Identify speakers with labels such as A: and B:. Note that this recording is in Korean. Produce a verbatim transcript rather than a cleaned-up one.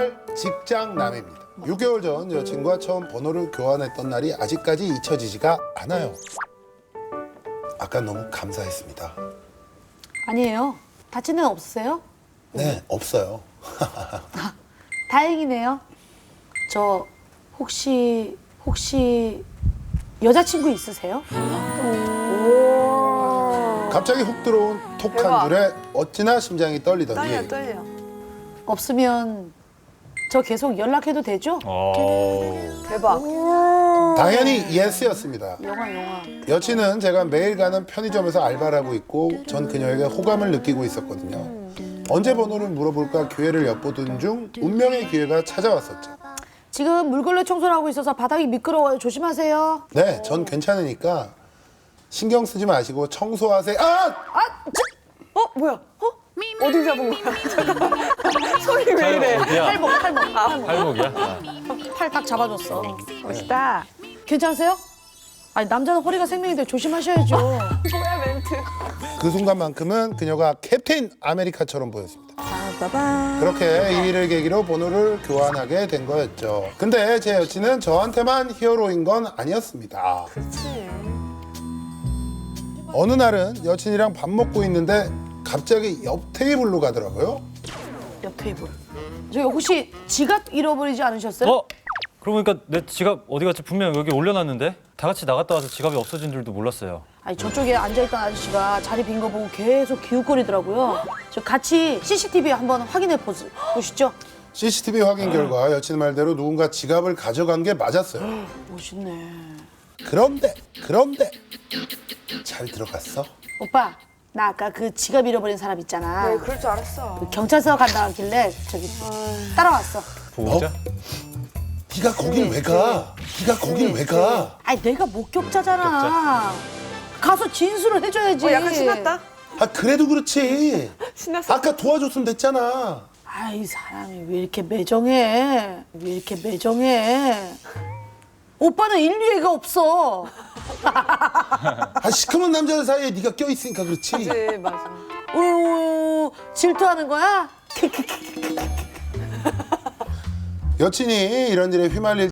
A: 살 직장남입니다. 육 개월 전 여친과 처음 번호를 교환했던 날이 아직까지 잊혀지지가 않아요. 아까 너무 감사했습니다.
B: 아니에요. 다친 데는 없으세요?
A: 네, 없어요.
B: 다행이네요. 저 혹시 혹시 여자친구 있으세요?
A: 갑자기 훅 들어온 톡 한 줄에 어찌나 심장이 떨리던지
C: 떨려 떨려.
B: 없으면 저 계속 연락해도 되죠?
C: 대박.
A: 당연히 예스였습니다.
B: 영화 영화.
A: 여친은 제가 매일 가는 편의점에서 알바를 하고 있고 전 그녀에게 호감을 느끼고 있었거든요. 언제 번호를 물어볼까 기회를 엿보던 중 운명의 기회가 찾아왔었죠.
B: 지금 물걸레 청소를 하고 있어서 바닥이 미끄러워요. 조심하세요.
A: 네, 전 괜찮으니까 신경 쓰지 마시고 청소하세요. 아!
C: 어 뭐야? 어? 어디 잡은 거야? 소리 왜 이래?
B: 팔목 팔목 팔목.
D: 팔목이야? 아.
B: 팔 딱 잡아줬어.
C: 멋있다.
B: 괜찮으세요? 아니 남자는 허리가 생명인데 조심하셔야죠.
C: 뭐야 멘트?
A: 그 순간만큼은 그녀가 캡틴 아메리카처럼 보였습니다.
C: 빠밤.
A: 그렇게 이 일을 계기로 번호를 교환하게 된 거였죠. 근데 제 여친은 저한테만 히어로인 건 아니었습니다.
C: 그렇지.
A: 어느 날은 여친이랑 밥 먹고 있는데 갑자기 옆 테이블로 가더라고요.
B: 옆 테이블. 저기 혹시 지갑 잃어버리지 않으셨어요?
D: 어? 그러고 보니까 내 지갑 어디 갔지? 분명 여기 올려놨는데 다 같이 나갔다 와서 지갑이 없어진 줄도 몰랐어요.
B: 아니 저쪽에 앉아있던 아저씨가 자리 빈 거 보고 계속 기웃거리더라고요. 저 같이 씨씨티비 한번 확인해 보시, 보시죠.
A: 씨씨티비 확인 결과 여친 말대로 누군가 지갑을 가져간 게 맞았어요.
B: 멋있네.
A: 그런데 그런데 잘 들어갔어?
B: 오빠 나 아까 그 지갑 잃어버린 사람 있잖아.
C: 네, 그럴 줄 알았어.
B: 경찰서 간다 하길래 저기 따라왔어.
D: 보호자?
A: 네가 거길 왜 가? 네가 거길 왜 가?
B: 아니 내가 목격자잖아. 가서 진술을 해줘야지.
C: 어 약간 신났다.
A: 아 그래도 그렇지.
C: 신났어.
A: 아까 도와줬으면 됐잖아.
B: 아이 사람이 왜 이렇게 매정해? 왜 이렇게 매정해? 오빠는 인류애가 없어.
A: 아 시커먼 남자들 사이에 네가 껴있으니까 그렇지.
C: 네 맞아.
B: 우 질투하는 거야?
A: 여친이 이런 일에 휘말릴